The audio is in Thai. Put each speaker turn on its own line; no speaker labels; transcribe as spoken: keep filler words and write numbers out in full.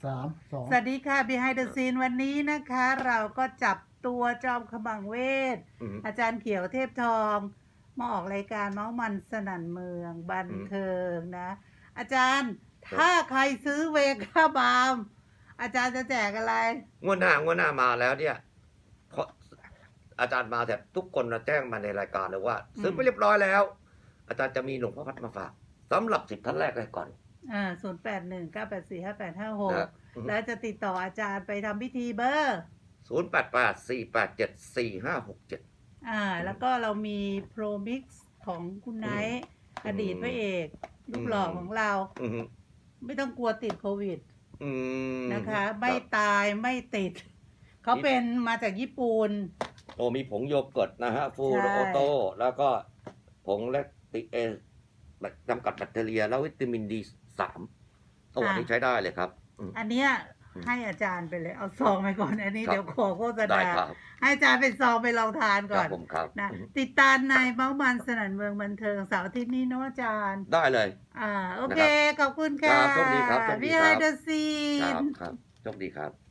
สามสอง
สวัสดีค่ะ Behind the Scene วันนี้นะคะ เราก็จับตัวจอมขมังเวท
อืม
อาจารย์เขียวเทพทอง มาออกรายการเมาส์มันสนั่นเมืองบันเทิงนะ อาจารย์
ครับ
ถ้าใครซื้อเวก้าบาล์มอาจารย์จะแจกอะไร
งวดหน้างวดหน้ามาแล้วเนี่ยเพราะอาจารย์มาแต่ทุกคนนะแจ้งมาในรายการเลยว่า
อืม
ซื้อไปเรียบร้อยแล้ว อาจารย์จะมีหลวงพ่อพัดมาฝากสำหรับสิบท่านแรกเลยก่อน
อ่าศูนย์แปดหนึ่งเก้าแปดสี่ห้าแปดห้าหก
นะอืม
แล้วจะติดต่ออาจารย์ไปทำพิธีเบอร์
ศูนย์แปดแปดสี่แปดเจ็ดสี่ห้าหกเจ็ด
อ่า แล้วก็เรามีโปรมิกซ์ของคุณไนท์
อืม
อดีตพระเอกรูปหล่อของเรา
อืม
ไม่ต้องกลัวติดโควิด
อืม
นะคะ ไม่
ครับ
ตายไม่ติด เขาเป็นมาจากญี่ปุ่น
โอ้มีผงโยเกิร์ตนะฮะฟู
ใช่
โอโต้แล้วก็ผงแลคติเอจำกัดแบคทีเรีย แล้ววิตามินดีสามโอ้อันนี้ใช้ได้เลยครับอืม
อันเนี้ย
อืม
ให้อาจารย์ไปเลย เอาซองไปก่อน อันนี้
ครับ
เดี๋ยวขอโฆษ
ได้
ณา
ครับ
ให้อาจารย์เป็นซองไปลองทาน
ค
ก่
รั
อบ น
ผมครับ
นะ
อืม
ติดตามในเมาส์มันสนั่นเมืองบันเทิงเสาร์อาทิตย์นี้เนอะอาจารย์
ได้เลย
อ่า โอเค ขอบคุณค่ะ
ครับโชคดีครับโชคดี
พี่
ครั
ไฮ
บ
เดอร์ซี
ครับ
น
ครับโชคดีครับ